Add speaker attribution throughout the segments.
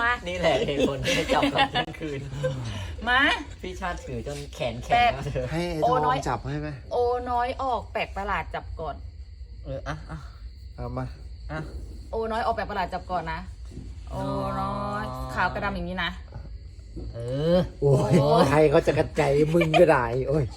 Speaker 1: มา
Speaker 2: นี่แหละเหตุผลที่จับตอนกลางคืน
Speaker 1: มา
Speaker 2: พี่ชาติถือจนแขนแข็งแล้วเธอ
Speaker 3: ให้ไอ้
Speaker 1: โอ้
Speaker 3: ท
Speaker 1: น้
Speaker 3: อ
Speaker 1: อย
Speaker 3: งจับให้ไหม
Speaker 1: โอ้น้อยออกแปลกประหลาดจับก่อน
Speaker 2: อ่ะ
Speaker 3: เอามา
Speaker 2: อ่ะ
Speaker 1: โอ้น้อยออกแปลกประหลาดจับก่อนนะ โอ้น้อยขาวกระดำอย่างนี้นะ
Speaker 2: เออ
Speaker 3: โอ้ยใครเขาจะกระจายมึงก็ได้โอ้ย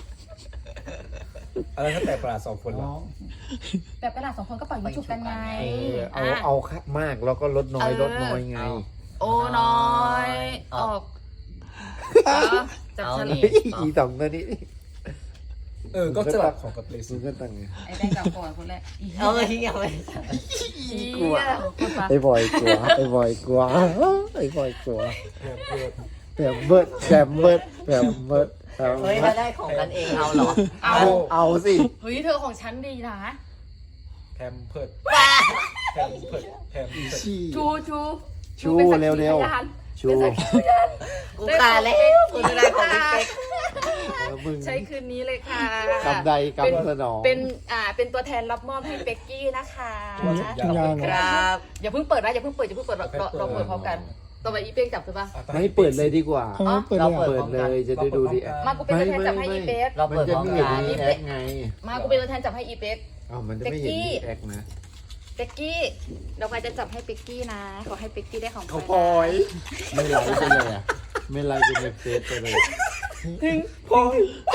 Speaker 4: อะไรถ้าแต่ประหลาด2 คนเหรอ
Speaker 1: แปลกประหลาด2 คนก็ปล่อยยิงฉุบกันไง
Speaker 3: เอามากแล้วก็ลดน้อยลดน้อยไง
Speaker 1: โอ้น้อยออกจับฉลาก
Speaker 3: อีสองตัวนี้
Speaker 4: ก็สลับของกับเล
Speaker 3: มึ
Speaker 4: ซี่
Speaker 3: งก็ตั้งไง
Speaker 1: ไอ้แดงกับก่อนคนแรก
Speaker 2: เอาไปทิ้งเอาไป
Speaker 3: กลัวไอ้บอยกลัวไอ้บอยกลัวไอ้บอยกลัวแบบเบิดแบบเบิดแบบเบิด
Speaker 2: เฮ้ยถ้าได้ของกันเองเอาเหรอ
Speaker 3: เอาสิ
Speaker 1: เฮ้ยเธอของฉันดีนะ
Speaker 4: แพมเพิร์ดแพมเพิร์ดแพมเพิร์ด
Speaker 3: ชี้
Speaker 1: ชูเป็นสักขีพยาน
Speaker 3: ชู
Speaker 1: เป็นสักขีพยาน
Speaker 2: กูขาดแล้วกูจะได้ของพี่เป๊ก
Speaker 3: มึง
Speaker 1: ใช้คืนนี้เลยค่ะ
Speaker 3: กำใดกำสนอง
Speaker 1: เป็นตัวแทนรับมอบให้เป็กกี้นะคะ
Speaker 2: ครับ
Speaker 1: อย่าเพิ่งเปิดนะอย่าเพิ่งเปิดเราเปิดพร้อมกันต่อไปอีเป้งจับใช่ปะ
Speaker 3: ไม่เปิดเลยดีกว่า
Speaker 2: เราเปิด
Speaker 3: เปิ
Speaker 2: พ
Speaker 3: ด
Speaker 2: ร้อม
Speaker 3: เล
Speaker 2: กัน
Speaker 3: ยจะได้ดูดิ
Speaker 1: มากูเป็นตัวแทนจับให้อีเป๊ก
Speaker 2: เรา
Speaker 3: มั
Speaker 2: เปิด
Speaker 3: จะ
Speaker 2: พร้อม
Speaker 3: ไม่เห็น
Speaker 2: กัน
Speaker 3: รีแอคไง
Speaker 1: มากูเป็นตัวแทนจับให้อีเป๊ก
Speaker 3: มันจะไม่เห็นรีแอคนะ
Speaker 1: เป็กกี้เราใครจะจับให้เป็กกี้นะขอให้เป็กกี้ได้ของ
Speaker 3: เขาพลอยไม่ไลค์ไปเลยอ่ะไม่ไลค์ไปในเฟซไปเลย
Speaker 4: พอย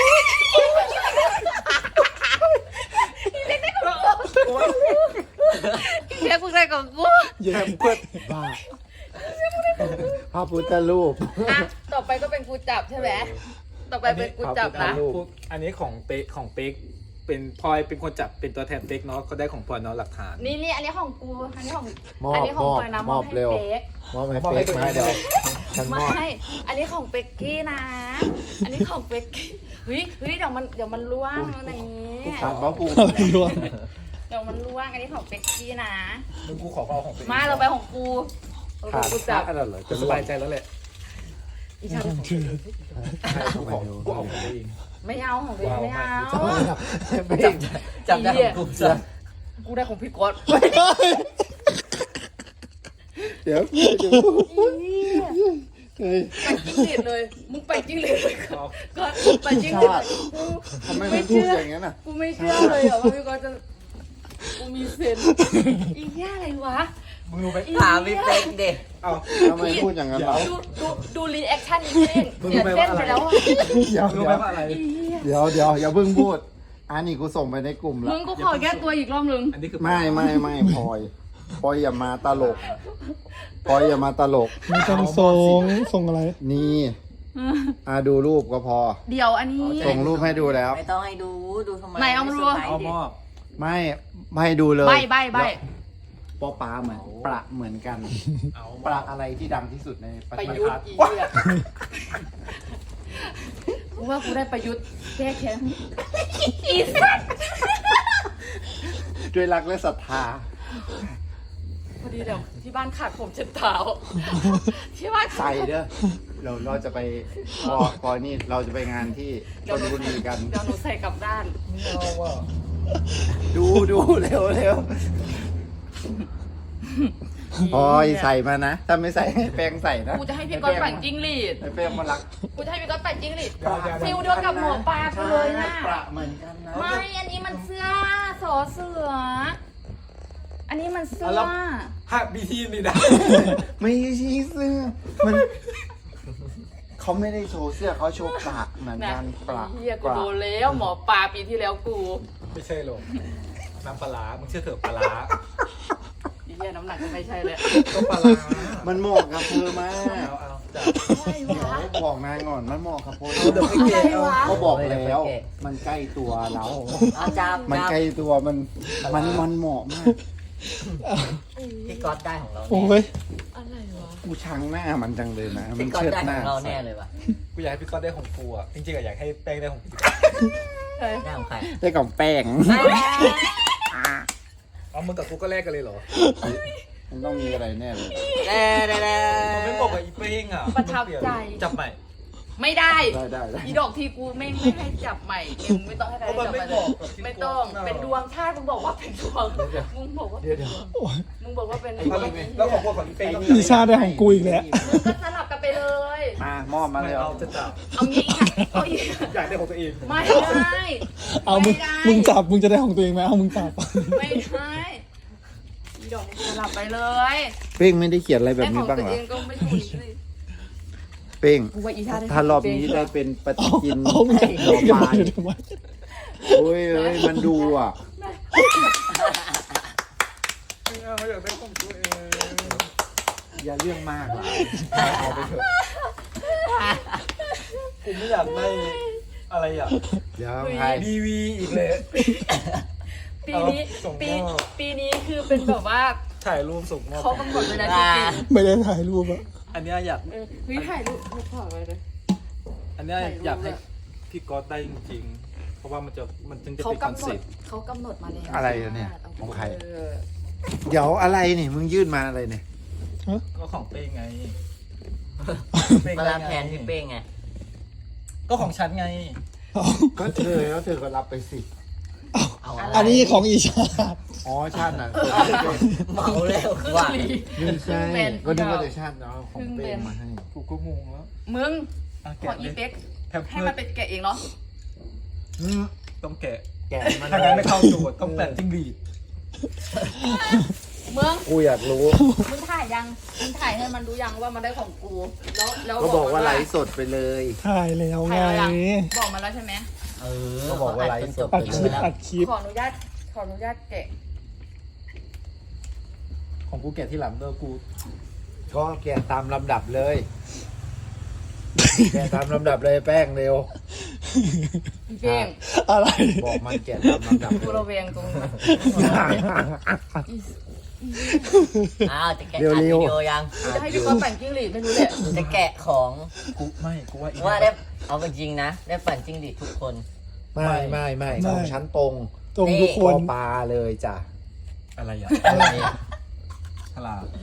Speaker 1: เป๊กกูได้ของกู
Speaker 3: แย่เปิดบ้าพระพุทธรูป
Speaker 1: อ่ะต่อไปก็เป็นกูจับใช่ไหมต่อไปเป็นกูจับนะ
Speaker 4: อันนี้ของเป๊กเป็นพลอยเป็นคนจับเป็นตัวแทนเป๊กเนาะก็ได้ของพลอยเนาะหลักฐาน
Speaker 1: นี่อันนี้ของกูอันนี้ของ
Speaker 3: มอบ
Speaker 1: อันนี้ของพลอยนะ
Speaker 3: มอบ
Speaker 1: ให้
Speaker 3: เร็ว
Speaker 1: เป๊ก
Speaker 3: มอบให้เฟซมาเดี๋ยวฉันม
Speaker 1: ไม่
Speaker 3: อบ
Speaker 1: อันนี้ของเป็กกี้นะ อันนี้ของเป็กกี้เฮ้ยเดี๋ยวมันล่วงอะไรอย่างนี้
Speaker 3: ถามว่ากู
Speaker 1: เดี๋ยวมันล่วงอันนี้ของเป็กกี้นะ
Speaker 4: มึงกูขอเอาของเป๊ก
Speaker 1: มาเราไปของกู
Speaker 3: ขาด
Speaker 1: กู
Speaker 3: จั
Speaker 1: จั
Speaker 3: บบ อะไรเหรอ
Speaker 4: จะสบายใจแล้วแหละ
Speaker 1: อีชา
Speaker 4: ใช่กูเอาของตัวเอง
Speaker 1: ไม่เอาของตัวเองไม่เอา
Speaker 2: จับได้ของกูจ้ะ
Speaker 1: กูได้ของพี่ก๊อต
Speaker 3: เดี๋ยว
Speaker 1: ไปจิ้งหรีดเลยมึงไปจิ้งหรีดเลยก๊อตไปจิ้งหรีดเลย
Speaker 3: ทำไมมันพูดอย่างนั้นอ่ะ
Speaker 1: กูไม่เชื่อเลยว่าพี่ก๊อตจะกูมีเซนอีแย่อะไรวะ
Speaker 4: มึงรู้ไหม
Speaker 2: ถามพี่เป๊กดิ
Speaker 4: เอา
Speaker 3: ทำไมพูดอย่างนั้นล่ะ
Speaker 1: ดูรีแอคชั่นอีกเองเสียเส้นไปแล้วอ่ะ
Speaker 3: เดี๋ยว
Speaker 4: รู้ไหมว่าอะไร
Speaker 3: เดี๋ยวอย่าเพิ่งพูดอันนี้กูส่งไปในกลุ่มแล้
Speaker 1: มึ
Speaker 3: ว
Speaker 1: งก็ขอแก้ตัวอีกรอบนึง
Speaker 4: อันนี้คือ
Speaker 3: ไม่พลอยอย่ามาตลกพลอยอย่ามาตลก
Speaker 5: ไม่ต้องส่งอะไร
Speaker 3: นี่ดูรูปก็พอ
Speaker 1: เดี๋ยวอันนี้
Speaker 3: ส่งรูปให้ดูแล้ว
Speaker 2: ไม่ต้องให้ดูทำไม
Speaker 1: ไหนเอามาดู
Speaker 4: เอามอบ
Speaker 3: ไม่ให้ดูเลย
Speaker 1: ใบ
Speaker 3: ปอปลาเหมือนประเหมือนกัน
Speaker 4: เอาม
Speaker 3: ป
Speaker 4: อ
Speaker 3: ลา
Speaker 4: บ
Speaker 3: อะไรที่ดังที่สุดในประ
Speaker 1: ป
Speaker 3: เท
Speaker 1: ระ
Speaker 3: ศ
Speaker 1: ยุทธ์อีเนี่ยกูว่ากูได้ประยุทธ์แก้แค้นอีสัตว์
Speaker 3: ด้วยรักและศรัทธา
Speaker 1: พอดีเดี๋ยวที่บ้านขาดผมเช็ดเท้าที่บ้าน
Speaker 3: ใส่เด้อเราจะไปพอนี่เราจะไปงานที่ชลบุรีกัน
Speaker 1: เดี๋ยวหนูใส่กลับด้าน
Speaker 4: ไม่เอาว่ะ
Speaker 3: ดูเร็วพลอยใส่มานะ ถ้าไม่ใส่ให้แป้งใส่นะ
Speaker 1: กูจะให้พี่ก๊อตปั่นจิ้งหรีด
Speaker 3: ให้แป้งมารัก
Speaker 1: กูจะให้พี่ก๊อตปั่นจิ้งหรีดฟิลเดียวกับหมอปลากูเลยนะ
Speaker 3: ประเหมือนกันนะ
Speaker 1: ไม่อันนี้มันเสื้อสอเสือ อันนี้มันเสื้อ
Speaker 4: หักบีทีนี่นะ
Speaker 3: ไม่ใช่เสื้อมันเขาไม่ได้โชว์เสื้อเขาโชว์ประเหมือน
Speaker 1: นะ
Speaker 3: กันประ
Speaker 1: เฮียกูโดนแล้วหมอปลาปีที่แล้วกู
Speaker 4: ไม่ใช่หรอกน้ำปลาร้ามึงเชื่อเถอะปลาร้า
Speaker 1: เฮียน้ำหนักก็ไม่ใช่เลย
Speaker 4: ก็ปลาร้า
Speaker 3: มันเหมาะกับเธอมาก
Speaker 4: เอาจับ
Speaker 1: อะไรวะ
Speaker 3: บอกนางก่อนมันเหมาะกับโพส
Speaker 4: เอาเดี๋ยวไปเกะ
Speaker 1: อะไร
Speaker 4: เอา
Speaker 1: วะ
Speaker 3: เขาบอกแล้ว มันใกล้ตัวเรา
Speaker 2: เอาจับ
Speaker 3: มันใกล้ตัวมันเหมาะมาก
Speaker 2: พี่ก๊อตได้ของเรา
Speaker 5: โอ้
Speaker 2: แน่
Speaker 5: ย
Speaker 1: อะไรวะ
Speaker 3: กูชังหน้ามันจังเลยนะมั
Speaker 2: พี่
Speaker 3: น
Speaker 2: ก๊อต
Speaker 3: เชิด
Speaker 2: ได้
Speaker 3: ห
Speaker 2: ข
Speaker 3: น้า
Speaker 2: องเราแน่เลยว่ะ
Speaker 4: กูอยากให้พี่ก๊อตได้ของกูอ่ะจริงๆอะอยากให้แป้งได้ของกู
Speaker 2: ได้ของใคร
Speaker 3: ได้ของแป้ง
Speaker 4: เอามึงกับกูก็แลกกันเลยเหรอ
Speaker 3: มันต้องมีอะไรแน่เลย
Speaker 2: ได้
Speaker 4: มันไม่บอกกับอีเป้งอ่ะ
Speaker 1: ประทับใจ
Speaker 4: จับใหม่
Speaker 1: ไม่ได้
Speaker 3: ได้
Speaker 1: อีดอกทีกูไม่ให้จับใหม่เอ็มไม่ต้องให้ใครจับใหม่เลยไม่ต้องเป็นดวงชาติมึงบอกว่าเป็นดวงมึงบอกว่าเป็นดวงมึงบอกว่าเป็นดวง
Speaker 4: แล้วของพวกของพี่เป้ต้อง
Speaker 5: อีชาได้ของกูอีกแล้ว
Speaker 1: มึงก็สลับกันไปเลย
Speaker 3: มามอบมาเลย
Speaker 4: เอาจะจับ
Speaker 1: เอางี้ค่ะเอาอีก
Speaker 4: อยากได้ของตัวเอง
Speaker 1: ไม่ได้
Speaker 5: เอามึงจับมึงจะได้ของตัวเองไหมเอามึงจับ
Speaker 1: ไม่ได้อีดอกมึงสลับไปเลย
Speaker 3: เป้งไม่ได้เขียนอะไรแบบนี้บ้าง
Speaker 1: แต่
Speaker 3: เหร
Speaker 1: ข
Speaker 3: อ
Speaker 1: องตัวเองก็ไม่ถูกเลย
Speaker 3: เป้ง
Speaker 1: กูว่าอีชาได้
Speaker 3: ถ้ารอบนี้ได้เป็นปฏิทิน
Speaker 5: เอามึงจะ
Speaker 3: หน่อ
Speaker 5: เก็บ
Speaker 3: ไม้
Speaker 5: ไว้ทำไม
Speaker 3: โอ้ยเอ้ยมันดูอ่ะ
Speaker 4: เขาอยากได้ของตัวเอง
Speaker 3: อย่าเรื่องมากหลายเอาไปเถอะ
Speaker 4: กูไม่อยากได้อะไรอ่ะ
Speaker 3: เดี๋ยวใคร
Speaker 4: ดีวีอีกเลย
Speaker 1: ปีนี้
Speaker 4: ส่งมอบ
Speaker 1: ปีนี้คือเป็นแบบว่า
Speaker 4: ถ่ายรูปส่งมอบ
Speaker 1: เขากำหนดเลยนะจริง
Speaker 5: ไม่ได้ถ่ายรูปอะ
Speaker 4: อันเนี้ยอยาก
Speaker 1: ๆเฮ้ยถ่ายรูปถ่ายไว้เลย
Speaker 4: อันเนี้ย
Speaker 1: ถ่ายรูป
Speaker 4: อยากให้
Speaker 1: อะ
Speaker 4: พี่ก๊อตได้จริงๆ เพราะว่ามันถึงจะ
Speaker 1: เขา
Speaker 4: เป็นคอน
Speaker 1: กำหน
Speaker 4: เซ็
Speaker 1: ด
Speaker 4: ปต์
Speaker 1: เขากำหนดมาแล้ว
Speaker 3: อะไรอะเนี่ยของใคร
Speaker 1: เออ
Speaker 3: เดี๋ยวอะไรนี่มึงยื่นมาอะไรเนี่ย
Speaker 4: ก็ของเป้งไง
Speaker 2: มารับแทนพี่เป้งไง
Speaker 4: ก็ของฉันไง
Speaker 5: เอา
Speaker 3: ก็เธอแล้วเธอก็รับไปสิ
Speaker 2: เอา
Speaker 5: อันนี้ของอีชา
Speaker 3: อ๋อชาติน่ะ
Speaker 2: เมาแล้ว
Speaker 1: ครึ่ง
Speaker 2: ว่า
Speaker 1: หลี
Speaker 3: ไม่ใช่
Speaker 1: เพิ่งเป็น
Speaker 3: ก็นึกว่าแต่ชาติเนาะของเป้งมาให้
Speaker 4: กูก็งงแล้ว
Speaker 1: มึง
Speaker 4: อ่ะ
Speaker 1: ขอ
Speaker 4: แกะ
Speaker 1: อี
Speaker 4: เลย
Speaker 1: เป็ก
Speaker 4: แพม
Speaker 1: ให้
Speaker 4: เพิ
Speaker 1: มั
Speaker 4: ร์
Speaker 1: น
Speaker 4: ด
Speaker 1: เป็นแกะเองเนาะ
Speaker 3: อืม
Speaker 4: ต้องแกะ
Speaker 3: แกะมัน
Speaker 4: ถ้างั้นไม่เข้าโจทย์ต้องแปะจิ้งหรีด
Speaker 1: มึง
Speaker 3: กูอยากรู้
Speaker 1: มึงถ่ายยังมึงถ่ายให้มันรู้ยังว่ามันได้ของกูแล้ว
Speaker 3: ก็บอกว่าไลฟ์สดไปเลย
Speaker 5: ถ่ายแล้วไง
Speaker 1: ถ่ายแล้วยังบอกมาแล้วใช่ไหม
Speaker 2: เออ
Speaker 3: ก็บอกว่าไลฟ์สด
Speaker 5: อัดคลิปอัดคลิป
Speaker 1: ขออนุญาตแกะ
Speaker 4: ของกูแกะที่หลังเด้อกู
Speaker 3: ก็แกะตามลำดับเลย แกะตามลำดับเลยแป้งเร็ว
Speaker 1: พี่เพ่ง
Speaker 5: อะไร
Speaker 3: บอกมันแกะตามลำดับ
Speaker 1: กู
Speaker 3: เล
Speaker 1: ระ
Speaker 3: ย
Speaker 1: เวงตรงนี้
Speaker 2: อ้าวจะแกะอัดวิดีโอยัง
Speaker 1: กูจะให้พี่ก๊อฟปั่นจิ้งหรีดไม่รู้แหละ
Speaker 2: จะแกะของ
Speaker 4: กูว่าอีก
Speaker 2: ว่าได้เอาจริงๆนะ ได้ปั่นจิ้งหรีดทุกคน
Speaker 3: ไม่ของชั้นตรง
Speaker 5: ตรงทุกค
Speaker 3: ปอน ปลาเลยจ้ะ
Speaker 4: อะไรอ่ะ
Speaker 2: นี่
Speaker 4: ฉลาด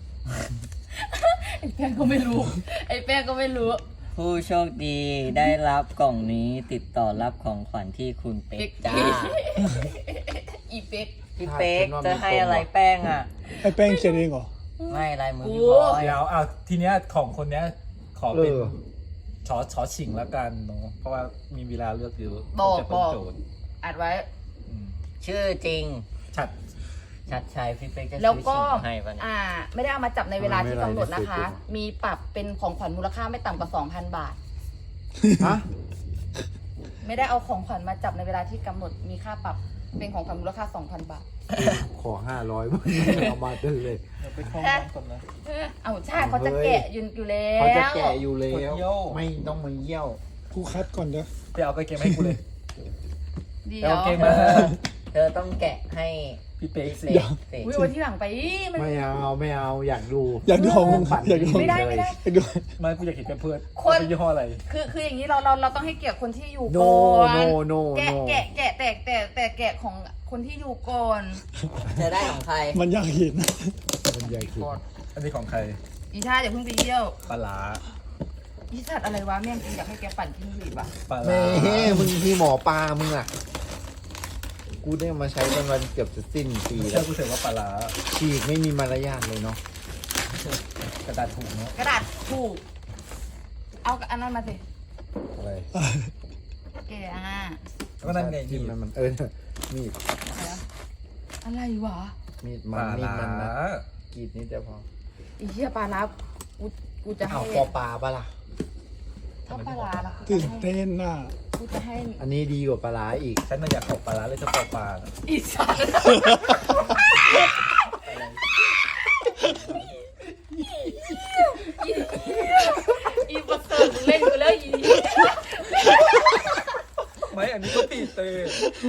Speaker 1: ไอ้แป้งก็ไม่รู้
Speaker 2: ผู้โชคดีได้รับกล่องนี้ติดต่อรับของขวัญที่คุณเป๊กจ้า
Speaker 1: อีเป็ก
Speaker 2: พี่เป๊กจะให้อะไรแป้งอ่ะ
Speaker 5: ไอ้แป้งเขียนเองเหรอ
Speaker 2: ไม่ลายมือพี่บอย
Speaker 4: เดี๋ยวเอาทีเนี้ยของคนเนี้ยขอเป็น
Speaker 3: เออ
Speaker 4: ชอชิงแล้วกันเนาะเพราะว่ามีเวลาเลือกเยอะ
Speaker 1: บอก
Speaker 4: จะเป็นโจทย์
Speaker 1: อัดไว้
Speaker 4: อืม
Speaker 2: ชื่อจริง
Speaker 4: ชัด
Speaker 2: ชัดชัยพี่เป๊กจะ
Speaker 1: แล้ว
Speaker 2: ซื้อ
Speaker 1: ก็
Speaker 2: ชิงให้ปะเนี่ย
Speaker 1: ไม่ได้เอามาจับในเวลาที่กำหนดนะคะ มีปรับเป็นของขวัญมูลค่าไม่ต่ำกว่า 2,000 บาท
Speaker 3: ฮะ
Speaker 1: ไม่ได้เอาของขวัญมาจับในเวลาที่กำหนด มีค่าปรับเป็นของขวัญมูลค่า 2,000 บาท
Speaker 3: ขอ500มึงเอามาเดินเลย
Speaker 4: เดี๋ยวไปเข้าห้องก่อนนะ
Speaker 1: เอาใช่เขาจะแกะอยู่แล้ว
Speaker 3: เขาจะแกะอยู่แล้
Speaker 4: ปวด
Speaker 3: ว
Speaker 4: เยี่ยว
Speaker 3: ไม่ต้องมาเยี่ยว
Speaker 5: กูคัดก่อนเด้อ
Speaker 4: ไปเอากางเกงมาให้กูเลย
Speaker 1: เดี๋
Speaker 4: ไป
Speaker 1: ยว
Speaker 4: เอากางเกงมา
Speaker 2: เธอต้องแกะให้
Speaker 4: พี่เป๊ก
Speaker 2: พี่
Speaker 4: สิ
Speaker 2: เป๊กสิ
Speaker 1: อุ้ยวันที่หลังไปมัน
Speaker 3: ไม่เอาอยากดู
Speaker 5: อยากดูของมึงอยากดูของ
Speaker 1: ไม่ได้
Speaker 5: อยากดู
Speaker 4: ไมันกูอยากเห็นเป็นเพื่อน
Speaker 1: คน
Speaker 4: เป็นยี่ห้ออะไร
Speaker 1: คืออย่างนี้เราต้องให้เกียรติคนที่อยู่
Speaker 3: โน
Speaker 1: ก่อน
Speaker 3: โน
Speaker 1: แกะแต่แกะของคนที่อยู่ก่อน
Speaker 2: เธอได้ของใคร
Speaker 5: มันอยากเห็น
Speaker 3: มันใหญ่ขึ้น
Speaker 4: อันนี้ของใคร
Speaker 1: อีชาอย่าเพิ่งไปเยี่ยว
Speaker 4: ปลาร้า
Speaker 1: อีสัตว์อะไรวะแม่งจริงอยากให้แกปั่นจิ้งหรีดว่ะ
Speaker 4: ปลา
Speaker 3: แม่
Speaker 4: ร้า
Speaker 3: มึงที่หมอปลามึงอ่ะ กูได้มาใช้จนวันเกือบจะสิ้นปี
Speaker 4: เชื่
Speaker 3: แล้
Speaker 4: อ
Speaker 3: ว
Speaker 4: กูเถอะว่าปลาร้า
Speaker 3: ฉีกไม่มีมารยาทเลยเนาะ
Speaker 4: กระดาษถุงเนาะ
Speaker 1: กระดาษถูกเอาอันนั้นมาสิ
Speaker 3: อะไร
Speaker 1: แกะ
Speaker 4: แล้วก็นั่นไง
Speaker 3: จิ้
Speaker 4: นี่
Speaker 3: มมันมีด
Speaker 1: อะไรวะ
Speaker 3: มีด
Speaker 4: ป
Speaker 3: มัน
Speaker 4: ลา
Speaker 3: มีด
Speaker 4: ร้า
Speaker 3: มันนะกรีดนิดเดียวพอ
Speaker 1: อีเหี้ยปลาร้ากูจะให้
Speaker 3: เอาปอปลาปะล่ะ
Speaker 1: ถ้าปลาร้าล่ะ
Speaker 5: ตื่นเต้นน่ะ
Speaker 1: กูจะให้
Speaker 3: อันนี้ดีกว่าปลาร้าอีก
Speaker 4: ฉันน่ะอยากขอปลาร้าเลยจะปอปลาน่ะ
Speaker 1: อีสัตว์อีประเสริฐเล่นกูแล้วอี
Speaker 4: ไม่อันนี้ก็ปีเตย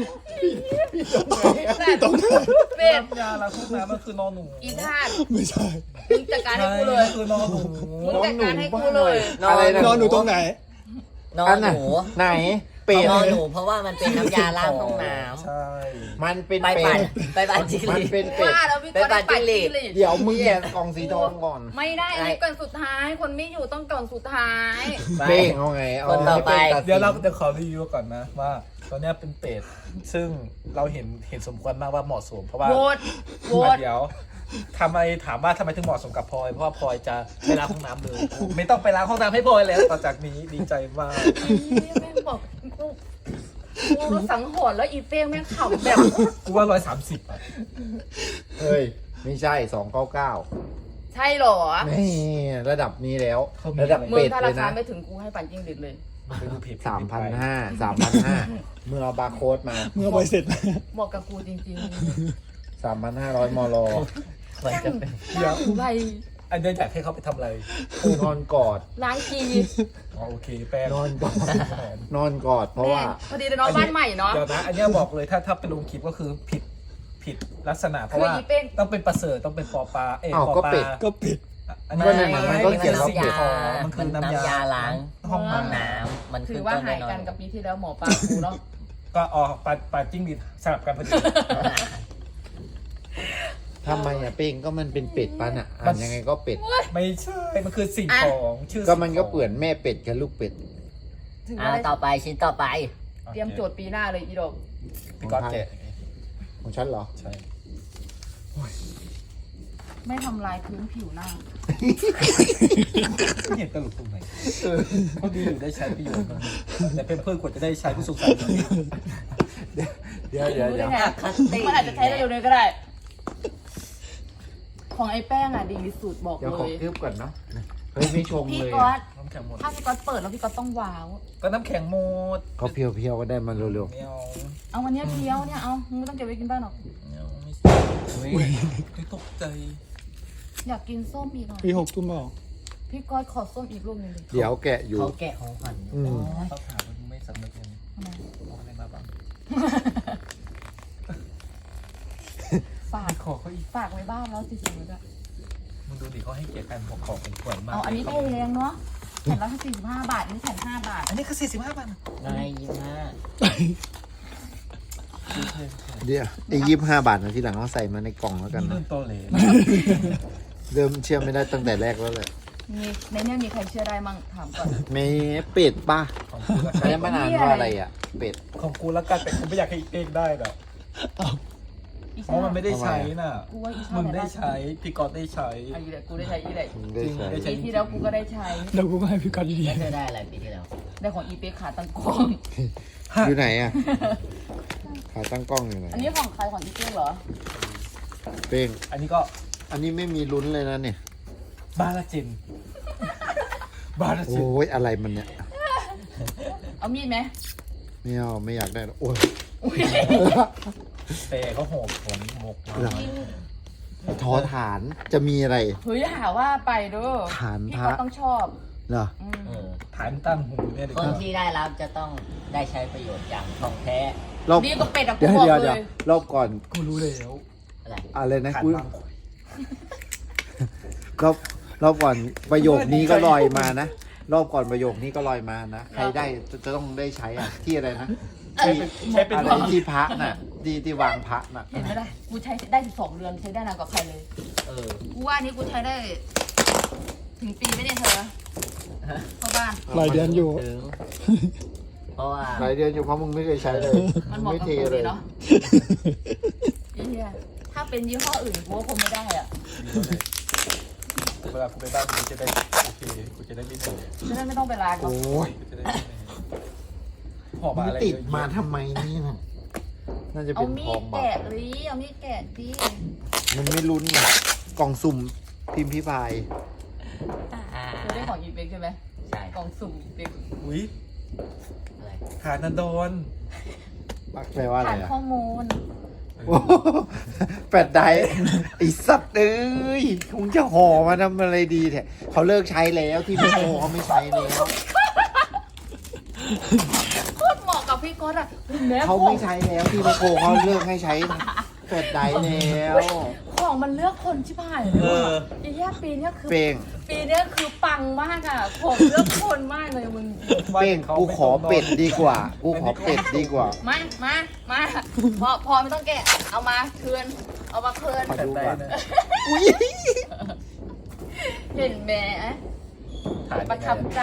Speaker 5: ตรงไหน
Speaker 1: เป็ด
Speaker 4: น้ำยาล้างห้องน้ำมันคือนอนหนู
Speaker 1: อีธาตุ
Speaker 5: ไม่ใช่
Speaker 1: มึงจัดการให้กูเลย
Speaker 4: คือนอนหนู
Speaker 1: มึงจัดการให้กูเลย
Speaker 3: อะไรนะ
Speaker 5: นอนอยู่ตรงไหน
Speaker 2: นอ
Speaker 3: อั
Speaker 2: น
Speaker 3: น
Speaker 2: ห
Speaker 3: น่ะ
Speaker 2: นู
Speaker 3: ไหนเป็ด
Speaker 2: นอหนูเพราะว่ามันเป็นน้ำยาล้างห้องน้
Speaker 4: ใช่
Speaker 3: มันเป็น
Speaker 2: ำไป
Speaker 3: เป็
Speaker 2: ปั่น
Speaker 3: ด
Speaker 2: ไปปั่นจิ้งห
Speaker 3: มัน
Speaker 2: รีด
Speaker 3: เป็นเป็ด
Speaker 1: ว่าแล้วพี่ก๊อต
Speaker 2: ไปปั่นจิ้งหรีด
Speaker 3: เดี๋ยวมึงแกะกล่องสีทองก่อน
Speaker 1: ไม่ได้อันนี้ก่อนสุดท้าย คนไม่อยู่ต้องก่อนสุดท้าย
Speaker 2: ไป
Speaker 3: เป้งเอาไงเอา
Speaker 2: คนต่อไป
Speaker 3: ให้ป้งตัสิน
Speaker 4: เดี๋ยวเราจะขอรีวิวก่อนนะว่าตอนเนี้ยเป็นเป็ดซึ่งเราเห็นสมควรมากว่าเหมาะสมเพราะว่า
Speaker 1: โหวตโหวต
Speaker 4: เดี๋ยวทำไมถามว่าทำไมถึงเหมาะสมกับพลอยเพราะว่าพลอยจะไม่ล้างห้องน้ำเลยไม่ต้องไปล้างห้องน้ำให้พลอยแล้วต่อจากนี้ดีใจมาก
Speaker 1: แม่งบอกกูรู้สังหรณ์แล้วอีเป้งแม่งขำแบบ
Speaker 4: กูว่า130อ่ะ
Speaker 3: เฮ้ย ไม่ใช่299
Speaker 1: ใช่เหรอ
Speaker 3: นี่ระดับนี้แล้ว ระดับ
Speaker 1: มึง
Speaker 3: เป็ด
Speaker 1: ถ้า
Speaker 3: เล
Speaker 1: ราย คา
Speaker 3: นะ
Speaker 1: ไม่ถึงกูให้ปั่นจิ้งหรีดเลย
Speaker 4: ไปดูเพจ
Speaker 3: 3,500 เมื่อเอาบาร์โค้ดมา
Speaker 5: เมื่อใบเสร็จ
Speaker 1: เหมาะกับกูจริง
Speaker 3: 3,500 มล
Speaker 2: ควรจะเป็น
Speaker 1: ๆหน้าหูใบ
Speaker 4: อันเนี้ยอยากให้เขาไปทำอะไร
Speaker 3: นอนกอด
Speaker 1: ล้างกี
Speaker 4: อ๋อโอเคแป้ง
Speaker 3: นอนกอด นอนกอด เพราะว่า
Speaker 1: แม่งพอดีเลยน้องบ้านใหม่เนาะ
Speaker 4: เดี๋ยวนะอันเนี้ยบอกเลยถ้าไปลงคลิปก็คือผิดลักษณะเพราะว่า
Speaker 1: คืออีเป้ง
Speaker 4: ต้องเป็นประเสริฐต้องเป็นปอปลา
Speaker 3: อ้าว
Speaker 4: ปอ
Speaker 3: ก็
Speaker 4: ปลา
Speaker 3: เป็ด
Speaker 5: ก็ปิด
Speaker 4: อันนี้
Speaker 3: ก็ในหนังมันก็เขียนว่า
Speaker 2: น้ำยา
Speaker 4: มันคือ
Speaker 2: น้ำ
Speaker 4: น้ำยาย
Speaker 2: าล้าง
Speaker 4: ห้อง
Speaker 2: ห้อง
Speaker 4: น้ำ
Speaker 2: น้ำมัน
Speaker 1: ถื
Speaker 2: ขึ้
Speaker 1: อน ว่า
Speaker 2: ต้น
Speaker 1: หา
Speaker 2: ด้วย
Speaker 1: ย
Speaker 2: นอ
Speaker 1: กัน
Speaker 2: น
Speaker 1: กับปีที่แล้วหมอปลากูเนาะ
Speaker 4: ก็ปลาจิ้งหรีดสลับกันพอดี
Speaker 3: ทำไมอ่ะเป้งก็มันเป็นเป็ดปะน่ะอ่านยังไงก็เป็ด
Speaker 4: ไม่ใช่มันคือสิ่งของชื่อ
Speaker 3: ก็มันก็เปื่อนแม่เป็ดกับลูกเป็ด
Speaker 1: ถึง
Speaker 2: อ่า
Speaker 1: ว่าได้
Speaker 2: ต่อไปชิ้นต่อไป
Speaker 1: เตรียมโจทย์ปีหน้าเลยอีดอก
Speaker 4: พี่ก๊อตแกะ
Speaker 3: ของฉันเหรอ
Speaker 4: ใช่
Speaker 1: ไม่ทำลายพื้นผิวหน้า
Speaker 4: ไม่เห็นตลกตรงไหนเขาดีอยู่ได้ใช้ประโยชน์มันแต่เป็นเพื่อนควรจะได้ใช้ผู้สูงอายุ
Speaker 3: เดี๋ยว
Speaker 1: รู้ได้ไง
Speaker 2: คัตติ้ง
Speaker 1: มันอาจจะใช้ได้เร็วเลยก็ได้ ของไอ้แป้งอ่ะดีสุดบอก
Speaker 3: เดี๋ยว
Speaker 1: เล
Speaker 3: ขอย คลิปก่อนเนาะเฮ้ยไม่ชง
Speaker 1: พี่
Speaker 3: เลย
Speaker 1: ก๊อ
Speaker 3: อะ
Speaker 1: ต
Speaker 4: น้ำแข็งหมด
Speaker 1: ถ้าพี่ก๊อตเปิดแล้วพี่ก๊อตต้องว้าว
Speaker 4: ก็น้ำแข็งหมด
Speaker 3: เขาเพียวๆก็ได้มาเร็ว
Speaker 4: ไม่เอา
Speaker 1: เอาวันเนี้ยเคี้ยวเนี่ยเอามึงไม่ต้องเก็บไว้กินบ้านหรอก
Speaker 4: ไม่เอาไม่ตกใจ
Speaker 1: อยากกินส้มอีกอ่ะ
Speaker 5: ปี6ตุ้มบอก
Speaker 1: พี่ก๊อตขอส้มอีกลูกหนึงดิ
Speaker 3: ๆเดี๋ยวแกะอยู่
Speaker 2: เขาแกะของขวัญ
Speaker 3: อืม
Speaker 4: ต้องถามมันไม่สำนึกเลย
Speaker 1: ทำไม
Speaker 4: เอาอะไรมาบ้าง
Speaker 1: ฝาก
Speaker 4: ขอเขาอีก
Speaker 1: ฝากไว้บ้านแล้วสิสิด้วย
Speaker 4: มึงดูดิเขาให้เกียรติกันของเป็นขวัญมาก
Speaker 1: เอาอันนี้แพงเนาะแผ่นละ45 บาทอันนี้แผ่น5 บาท
Speaker 4: อันนี้คือ45 บาท
Speaker 2: นาย25
Speaker 3: เดี๋ยวไอ้25 บาทนะที่หลังเอาใส่มาในกล่องแล้วกัน
Speaker 4: นี่
Speaker 3: นะ
Speaker 4: เริ่มโตเลย
Speaker 3: เริ่มเชื่อไม่ได้ตั้งแต่แรกแล้วแหละ
Speaker 1: มีในเนี้ยมีใครเชื่อได้มั่งถามก่อน
Speaker 3: เมเป็ดป่ะ
Speaker 4: ของกูละ
Speaker 3: ใช้มานานว่าอะไรอ่ะ เป็ด
Speaker 4: ของกูละกันแต่กูไม่อยากให้อีกเองได้หรอก
Speaker 1: อี
Speaker 4: เพราะมันไม่ได้ใช้น่ะ
Speaker 1: กูว่าอีชา
Speaker 4: มึง
Speaker 1: เนี่ย
Speaker 4: ได้ใช้พี่ก๊อตได้ใช้
Speaker 1: ไอ้แหละกูได้ใช้อีแหละ
Speaker 3: มึงได้ใช้
Speaker 4: ได้ใช้
Speaker 1: ปีที่แล้วกูก็ได้ใช้
Speaker 5: แล้วกูก็ให้พี่กัดดี
Speaker 2: แล้วเธอได้อะไรปีที่แล้ว
Speaker 1: ได้ของอีเป๊กขาตังกล้อง
Speaker 3: อยู่ไหนอ่ะขาตั้งกล้องอยู่ไหน
Speaker 1: อันนี้ของใครของอีเป๊กเหรอ
Speaker 3: เป้ง
Speaker 4: อันนี้ก็
Speaker 3: อันนี้ไม่มีลุ้นเลยนะเนี่ย
Speaker 4: บาลาจินบาลาจิน
Speaker 3: โอ้ยอะไรมันเนี่ย
Speaker 1: เอามีดไหม
Speaker 3: ไม่เอาไม่อยากได้หรอกโอ้ย
Speaker 4: แต่เขาหอบผมหมกมา
Speaker 3: เหรอ ทอฐานจะมีอะไร
Speaker 1: เฮ้ยหาว่าไปเด้อ
Speaker 3: ฐาน
Speaker 1: พี่
Speaker 3: พระ
Speaker 1: ก็ต้องชอบ
Speaker 3: เหรอ
Speaker 1: อืม
Speaker 2: เออ
Speaker 4: ฐานตั้งหูเนี่ยเด็ก
Speaker 2: คนที่ได้รับจะต้องได้ใช้ประโยชน์อย่างท่องแท้
Speaker 3: รอบ
Speaker 1: ดีกว่าเป็ดอะกู
Speaker 3: เดี๋ยว
Speaker 1: บอก
Speaker 3: เดี๋ยว
Speaker 1: เล
Speaker 3: เดี๋ยวย รอบก่อน
Speaker 4: กูรู้แล้ว
Speaker 2: อะไร
Speaker 3: อะไรนะ
Speaker 4: ฐาน
Speaker 3: กู
Speaker 4: บางขวด
Speaker 3: รอบก่อนประโยคนี้ก็ลอยมานะ รอบก่อนประโยคนี้ก็ลอยมานะ ใครได้จะต้องได้ใช้อ่ะ ที่อะไรนะที่
Speaker 4: ใช้เป็น
Speaker 3: อะไรที่พระน่ะที่วางพระน่ะ
Speaker 1: เห็นไหมล่ะกูใช้ได้12 เดือนใช้ได้นานกว่าใครเลย
Speaker 2: เออ
Speaker 1: กูว่าอันนี้กูใช้ได้ ถึงปีไหมเนี่ยเธอเข้าบ้าน
Speaker 5: หลายเดือนอยู่
Speaker 2: ถึงเพราะว่า
Speaker 3: หลายเดือนอยู่เพราะมึงไม่เคยใช้เลย
Speaker 1: มันเหมาะ
Speaker 3: ไม่
Speaker 1: กับ
Speaker 3: เท
Speaker 1: กู
Speaker 3: เล
Speaker 1: ดี
Speaker 3: ย
Speaker 1: เนาะไอ้เหี้ยถ้าเป็นยี่ห้ออื่นกูก็คงไม่ได้อ่ะ
Speaker 4: เวลากูไปบ้านกูจะได้โอเคกูจะได้ไม่เหนื่อย
Speaker 1: จะได้ไม่ต้องไปล้างเนาะ
Speaker 3: โอ้ย
Speaker 4: กูจะได้ไม่เหนื่อยหอบ
Speaker 3: มึ
Speaker 4: มาง อะไร
Speaker 3: ติด
Speaker 4: เยอะ
Speaker 3: มา
Speaker 4: แยะ
Speaker 3: ทำไมนี่น่ะน่าจะ
Speaker 1: เอา
Speaker 3: เป็น
Speaker 1: มี
Speaker 3: ทอ
Speaker 1: ด
Speaker 3: งบา
Speaker 1: แกะ
Speaker 3: ท
Speaker 1: ดิเอามีดแกะดิ
Speaker 3: มันไม่ลุ้นไงกล่องสุ่มพิมพ์พิพาย
Speaker 1: เธอได้ของอีเป๊กใช่ไหม
Speaker 2: ใช่
Speaker 1: กล่องสุ่มอีเป๊ก
Speaker 4: อุ้ย
Speaker 2: อะไร
Speaker 4: ฐานนันดอน
Speaker 3: แปลว่าอะไร
Speaker 1: ผ่าน
Speaker 3: อ่ะ
Speaker 1: ข้อมูล
Speaker 3: โอ้โหแปดไดไอสัตว์เอ้ยคงจะห่อมาทำอะไรดีแท้เขาเลิกใช้แล้วที่ไม่โคเขาไม่ใช้แล้ว
Speaker 1: โคตรเหมาะกับพี่ก๊อตอ่ะแม่
Speaker 3: เขา
Speaker 1: ขอ
Speaker 3: ไม่
Speaker 1: ง
Speaker 3: ใช้แล้วที่ไม่โคเขาเลิกให้ใช้แปดไดแล้ว
Speaker 1: ของของมันเลือกคนชิบหายเลยว่ะไอ้แย่ปีเนี้ยคือ
Speaker 3: เป้ง
Speaker 1: ปีเนี้ยคือปังมากอ่ะของเลือกคนมากเลยมึง
Speaker 3: เป้งกูขอเป็ดดีกว่า กูขอเป็ดดีกว่า
Speaker 1: มาพอไม่ต้องแกะเอามาคืนเอามาคืน
Speaker 3: ขอดูก่อน
Speaker 1: เห็นไหมประทับใจ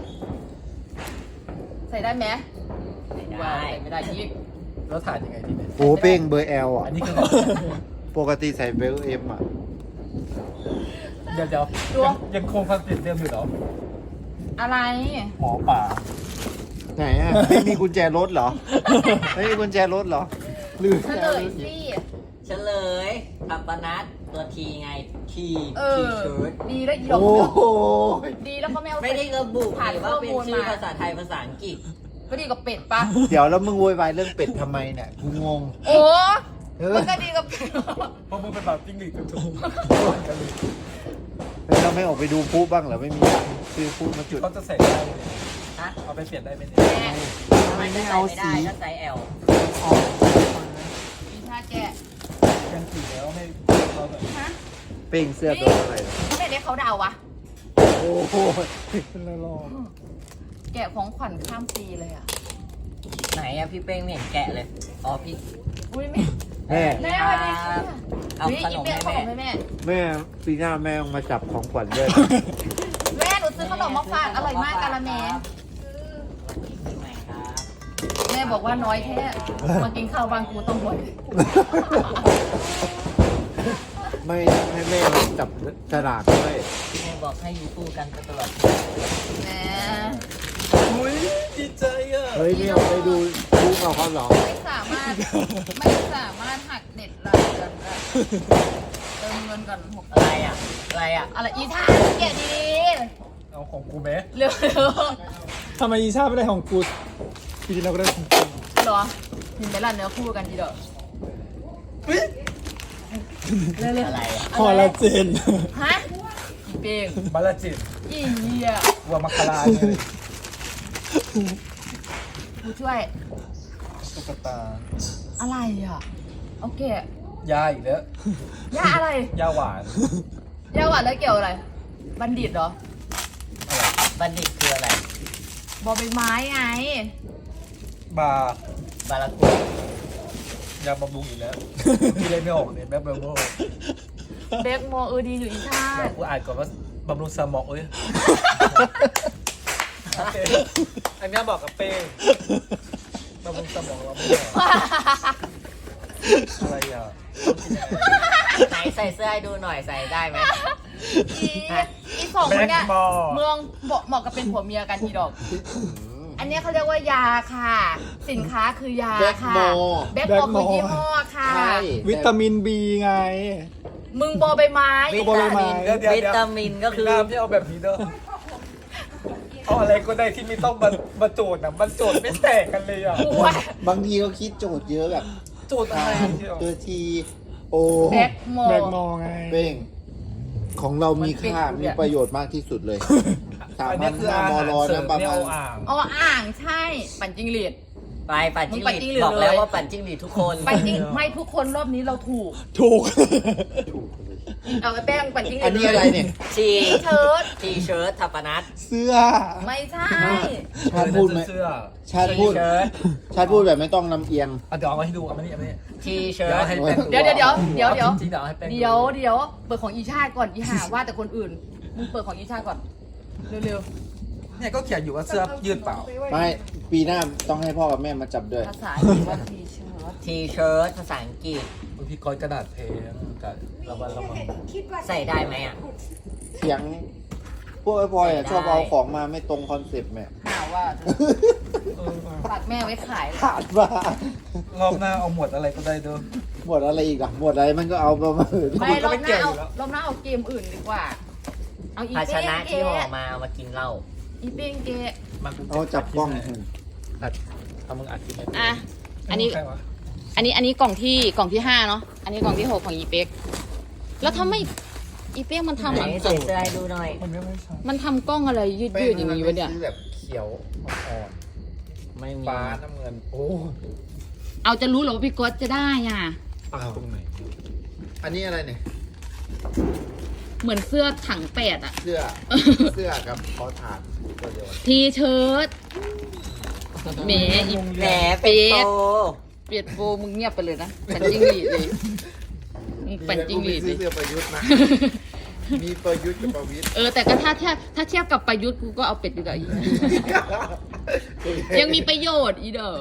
Speaker 1: ใส่ได้ไหม
Speaker 2: ได้
Speaker 1: ใส่ไม่ได้ยิก
Speaker 4: แล้วถ่ายยังไงที่เนี่ย
Speaker 3: โอ้เป้งเบอร์แอลอ่ะ
Speaker 4: อันนี้คือ
Speaker 3: ปกติใส่เบลเอ็มอ่ะ
Speaker 4: เดี๋ยวยังคงคอนเซ็ปต์เดิมอยู่เหรอ
Speaker 1: อะไร
Speaker 4: หมอป่า
Speaker 3: ไหนอ่ะ ไม่มีกุญแจรถเหรอ ไม่มีกุญแจรถเหรอลืม
Speaker 1: เฉลยสิ
Speaker 2: เฉลยทัปนัทตัวทีไงที
Speaker 1: เอ
Speaker 2: ที
Speaker 1: อ
Speaker 2: เชิร์ต
Speaker 1: ดีแล้วอีดอก
Speaker 3: โอ้โห
Speaker 1: ดีแล้วเขาไม่เอา
Speaker 2: ไม่ได้ระบุ
Speaker 1: ผ่าน
Speaker 2: ว่าเป็น
Speaker 1: ข้อมูล
Speaker 2: ชื่อ
Speaker 1: มา
Speaker 2: ภาษาไทยภาษาอังกฤษ
Speaker 1: ก็ดีกับเป็ดปะ
Speaker 3: เดี๋ยวแล้วมึงโวยวายเรื่องเป็ดทำไมเนี่ย กูงง
Speaker 1: โอ้
Speaker 3: เออ
Speaker 1: มันก็ดีกับเป็ด
Speaker 4: เพราะมึงเป็นแบบจิ้งหรีดจุ๊บกันเลย
Speaker 3: แล้วเราไม่ออกไปดูพูบ้างเหรอ ไม่มีซื้อพูมาจุด
Speaker 4: เขาจะใส่ได้ไหม
Speaker 2: ฮะ
Speaker 4: เอาไปเปลี่ยนได้ไหมเนี่ย
Speaker 1: แม่
Speaker 2: ทำไมไม่เอาสีก็ไซส์ L
Speaker 1: มีท่าแกะ
Speaker 4: ยังสีแล้วไม่เขาแบบ
Speaker 1: ฮะ
Speaker 3: เป้งเสื้อตัวอะไรเหรอ
Speaker 1: ทำไมเรียกเขาดาววะ
Speaker 3: โอ้โห
Speaker 5: เป็นไรหรอก
Speaker 1: แกะของขวัญข้ามปีเลยอ่ะ
Speaker 2: ไหนอะพี่เป้งไม่เห็นแกะเลย อ๋อพี่
Speaker 1: อุ้ยแม่
Speaker 3: แม่
Speaker 1: แม่สวัสดีค่ะ
Speaker 2: เอาขนมให้
Speaker 1: ขน
Speaker 2: แม่
Speaker 1: มให้แม่
Speaker 3: แม่ปีหน้าแม่ต้องมาจับของขวัญด้วย
Speaker 1: แม่หนูซื้อขนมมาฝากอร่อยมากกะละแม
Speaker 2: ไหนครับ
Speaker 1: แม่บอกว่าน้อยแค่มากินข้าวบางกูต้องบ่อย
Speaker 3: ไม่ให้แม่มาจับฉลากด้วย
Speaker 2: แม่บอกให้อยู่คู่กันไปตลอด
Speaker 1: แหม
Speaker 4: อุ้ยดีใจอ่ะ
Speaker 3: เฮ้ยไม่เอาไปดูพูเอาเขาเหรอ
Speaker 1: ไม่สามารถหักเด็ดรายเดือนได้เติมเงินก่อนหก
Speaker 2: อะไรอะอะไรอะ
Speaker 1: อะไรอีท่าแกะดี
Speaker 4: เอาของกูไหม
Speaker 1: ๆเร็ว
Speaker 5: ทำไมอีชาไม่ได้ของกูปีที่เราก็ได้ของกู
Speaker 1: ๆเหรอเห็นไหมล่ะเนื้อคู่กันทีเดียวเร็ว
Speaker 2: อะไรอะ
Speaker 5: คอลลาเจน
Speaker 1: ๆฮะอีเป้ง
Speaker 4: บาลาจิต
Speaker 1: อีเหี้ย
Speaker 4: วัวมัคคาราเนี่ย
Speaker 1: กูช่วย
Speaker 4: ตุ๊กตา
Speaker 1: อะไรอ่ะโอเค
Speaker 4: ยาอีกแล้ว
Speaker 1: ย่าอะไร
Speaker 4: ยาหวาน
Speaker 1: ย่าหวานแล้วเกี่ยวอะไร บัณฑิตเหรอ
Speaker 2: บัณฑิตคืออะไร
Speaker 1: บอใบไม้ไง
Speaker 4: บา
Speaker 2: บารากุ
Speaker 4: ยาบำรุงอีกแล้วพี่เลยไม่ออกเนี่ยแม่เบลโม่
Speaker 1: เบคโมดีอยู่อีชา
Speaker 4: เดี๋ยว
Speaker 1: ติ
Speaker 4: กูอ่านก่อนว่าบำรุงสมองเอ้ยโอเคอันเนี้ยบอกกับเป้งบำรุงสมองเราไม่ได้อะไรอ่ะ
Speaker 2: ไหนใส่เสื้อให้ดูหน่อยใส่ได้ไหม
Speaker 1: อีสองคนเนี้ยเมืองเหมาะกับเป็นผัวเมียกันทีดอก อันเนี้ยเขาเรียกว่ายาค่ะ สินค้าคือยา
Speaker 3: แบ็ค
Speaker 1: ค่ะ
Speaker 3: โม
Speaker 1: แบ็คโมคือยี่ห้อค่ะ
Speaker 3: ใช่
Speaker 5: วิตามินบีไง
Speaker 1: มึงบอใบไม้
Speaker 2: วิ
Speaker 5: บอใบ
Speaker 2: ตา
Speaker 5: ไม้
Speaker 2: มิน
Speaker 4: เดี๋ยว
Speaker 2: วิตามินก็คือ
Speaker 4: น้ำที่เอาแบบนี้เด้อเอาอะไรก็ได้ที่ไม่ต้องมาโจทย์นะมันโจทย์ไม่แตกกันเลยอ่ะ
Speaker 1: กูว่า
Speaker 3: บางทีก็คิดโจทย์เยอะแบบ
Speaker 4: โจทย์อะไรที่เอา
Speaker 3: ตัวทีโอ
Speaker 1: แบ็คโม
Speaker 5: แบกมอไง
Speaker 3: เป้งของเรามีค่า
Speaker 1: มันเป็น
Speaker 3: มีประโยชน์มากที่สุดเลย
Speaker 4: อันนี้คืออาหารเสริมเนี่ยเอาอ่าง
Speaker 1: อ๋ออ่างใช่ ปั่นจิงหรีด
Speaker 2: ไปปั่นจิ้งห
Speaker 1: มึงปั่นจิ้งหรี
Speaker 2: รี
Speaker 1: ด
Speaker 2: ดบอกแล้ว
Speaker 1: เลย
Speaker 2: ว่าปั่นจิ้งหรีดทุกคน
Speaker 1: ปั่นจิงไม่ทุกคนรอบนี้เราถูก
Speaker 5: ถูก
Speaker 1: เอาไอ้แป้งปั่นจิงหรีด
Speaker 3: อันนี้อะไรเนี่ย
Speaker 2: ที
Speaker 1: เชิ้ต
Speaker 2: ทีเชิ้ตทัปนัท
Speaker 5: เสื้อ
Speaker 1: ไม่ใช่
Speaker 3: ชาติพูดไหม
Speaker 4: เสื้อ
Speaker 3: ชาติพูด
Speaker 2: ทีเชิ้ต
Speaker 3: ชาติพูดแบบไม่ต้องลำเอียง
Speaker 4: อ่ะเดี๋ยวเอามาให้ดูเอามานี่เอามานี่
Speaker 2: ทีเชิ้
Speaker 4: เดี๋ยว
Speaker 2: ต
Speaker 4: ให้แป้ง
Speaker 1: เดี๋ยว
Speaker 4: จริงๆเดี๋ยวให้แป้ง
Speaker 1: เดี๋ยวเปิดของอีชาติก่อนอีหาว่าแต่คนอื่น มึงเปิดของอีชาติก่อน เร็ว
Speaker 4: เนี่ยก็เขียนอยู่ว่าเสื้อยืดเปล่า
Speaker 3: ไม่ปีหน้าต้องให้พ่อกับแม่มาจับด้วย
Speaker 1: ๆภาษาอังกฤษว่าทีเชิ้ต
Speaker 2: ทีเชิ้ตภาษาอังกฤษ
Speaker 4: บางทีกอยกระดาษเพลงกับระวัง
Speaker 2: ใส่ได้ไหมอ่ะ
Speaker 3: เสียง พวกไอ้พลอยอะชอบเอาของมาไม่ตรงคอนเซ็ปต์แม่
Speaker 1: หาว่าฝากแม่ไว้ขาย
Speaker 3: ขาดมาร
Speaker 4: อบหน้าเอาหมวดอะไรก็ได้เด้อ
Speaker 3: หมดอะไรอีกอ่ะหมดอะไรมันก็เอามา
Speaker 1: ไม่
Speaker 4: มันก็
Speaker 1: รอ
Speaker 4: ไม่
Speaker 1: บห
Speaker 4: เกี่
Speaker 1: น้า
Speaker 4: ยวอยู่แล้ว
Speaker 1: รอบหน้าเอาเกมอื่นดีกว่า เอาอี
Speaker 2: ภาช
Speaker 1: เป้ง
Speaker 2: นะ
Speaker 1: เก
Speaker 2: ที่ห่อมาเอามากินเหล้า
Speaker 1: อีเป้งเกะ
Speaker 4: มันกู
Speaker 3: เอาจับกล้อง
Speaker 4: อัดเอามึงอัดคลิปไหม
Speaker 1: อ่ะ อันนี้
Speaker 4: ใครวะ
Speaker 1: อันนี้กล่องที่5เนาะ อันนี้กล่องที่6ของอีเป๊ก แล้วทำไมอีเป๊กมันทำ
Speaker 2: ไหน
Speaker 1: อะ
Speaker 2: ใส่เสื้อให้ดูหน่อย
Speaker 5: มันไม่ใช่
Speaker 1: มันทำกล้องอะไรยืดๆอย่างนี้วะเนี่ย
Speaker 3: ซื้อแบบเขียวอ่อน
Speaker 2: ไม่มี
Speaker 3: ๆฟ้าน้ำเงิน โอ้
Speaker 1: เอาจะรู้เหรอว่าพี่ก๊อตจะได้อ่ะ
Speaker 3: อ้าว
Speaker 4: ตรงไหน
Speaker 3: อันนี้อะไรเนี่ย
Speaker 1: เหมือนเสื้อถังเป็ดอะ
Speaker 3: เสื้อกับคอฐานตัวเดียวกัน
Speaker 1: ทีเชิ้ตแหมอี
Speaker 2: แหมเป็นโต
Speaker 1: เปียดโบมึงเงียบไปเลยนะปันจิ้งหรีดเลยมึงปันจิ้งหรีดเลย
Speaker 3: เสื้อประยุทธ์นะ มีประยุทธ์กับประวิตร
Speaker 1: แต่ก็ถ้าเทียบกับประยุทธ์กูก็เอาเป็ดดีกว่าอีกยังมีประโยชน์อีเด้อ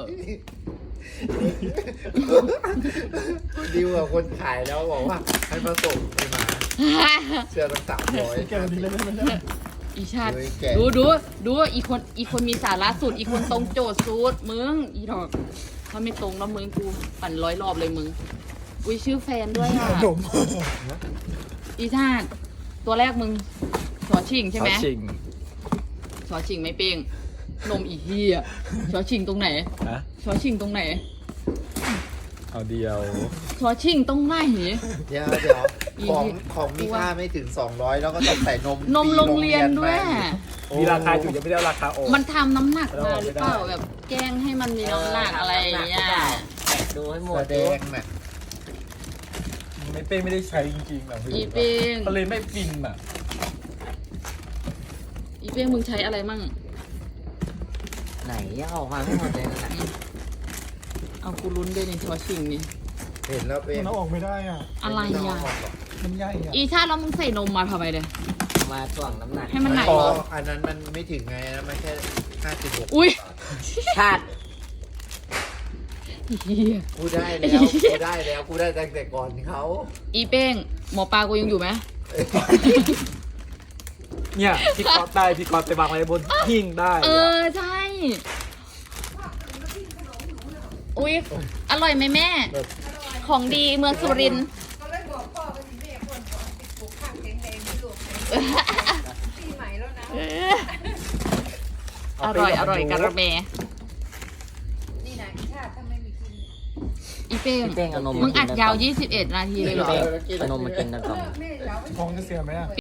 Speaker 3: ดิวกับคนขายแล้วบอกว่าให้มาส่งไปมาเสื้อตั้ง300
Speaker 5: แกวันนี้เลยไม่ได้
Speaker 1: อีชาติ
Speaker 3: เฮ้ยแกะ
Speaker 1: ดูอีคนมีสาระสุดอีคนตรงโจทย์สุดมึงอีดอกถ้าไม่ตรงแล้วมึงกูปั่น100 รอบเลยมึงอุ้ยชื่อแฟนด้วยอ่ะ
Speaker 5: หนม
Speaker 1: อีชาติตัวแรกมึงชอชิงใช่ไหม
Speaker 4: จริง
Speaker 1: ชอชิงไม่เป้งนมอีเหี้ยชอชิงตรงไหน
Speaker 4: นะ
Speaker 1: ชอชิงตรงไหน
Speaker 4: เอาเดียว
Speaker 1: ชอชิงตรงไหน
Speaker 3: เดี๋ยวของมีค่าไม่ถึง200แล้วก็ต้องใส่นม
Speaker 1: นมโรงเรียนด้วย
Speaker 4: มีราคาอยู่ยังไม่ได้เอาราคาออก
Speaker 1: มันทำน้ำหนักมาหรือเปล่าแบบแกล้งให้มันมีน้ำหนักอะไรอย่างเงี้ย
Speaker 2: แกะดูให้หม
Speaker 3: แส
Speaker 2: ด
Speaker 3: ด
Speaker 2: ดู
Speaker 3: งน่ะ
Speaker 4: ไม่เป้ไม่ได้ใช้จริงๆอ่ะ
Speaker 1: อีเป้ง
Speaker 4: ก็เลยไม่ฟินอ่ะ
Speaker 1: อีเป้งมึงใช้อะไรมั่ง
Speaker 2: ไหนยังออกมาไม่หมดเลยนะ
Speaker 1: เอากูลุ้นด้วยในชอชิงนี่
Speaker 3: เห็นแล้วเป็น
Speaker 5: มันเอาออกไม่ได้อ่ะ
Speaker 1: อะไร
Speaker 3: ม่ต้ง
Speaker 1: อ่ะ
Speaker 3: เาออกหรอก
Speaker 5: มันใหญ่อ่ะ
Speaker 1: อีชาติแล้วมึงใส่นมมาทำไมเลย
Speaker 2: มาถ่วงน้ำหนัก
Speaker 1: ให้มันหนัก
Speaker 3: พออันนั้นมันไม่ถึงไงนะมันแค่56
Speaker 1: อุ้ย
Speaker 2: ชาติ
Speaker 1: เหี้ย
Speaker 3: กูได้แล้วกูได้ตั้งแต่ก่อนเขา
Speaker 1: อีเป้งหมอปลากูยังอยู่ไหม
Speaker 4: เนี่ยพี่ก๊อตได้พี่ก๊อตไปวางไว้บนหิ้งได้
Speaker 1: ใช่อุ้ยอร่อยไหมแม่ ของดีเมืองสุรินทร์
Speaker 6: ก็เลยบอกพ่อไปสิแม่คนบอกติดปลูกข้างแข็งแรงที่ลูกปีใหม่แล้วนะ
Speaker 1: อร่อยกระเม
Speaker 6: นี่นะอีชาติถ้าไม่มีกิน
Speaker 1: อีเป้ง
Speaker 2: พี่เป้งเอานม
Speaker 1: มึงอัดยาว
Speaker 2: 21
Speaker 1: 21 นาทีเลยเหรอ
Speaker 2: เอานมมากินนะก่อน
Speaker 6: แม่เรา
Speaker 5: ท้องจะเสียไหมอ่ะ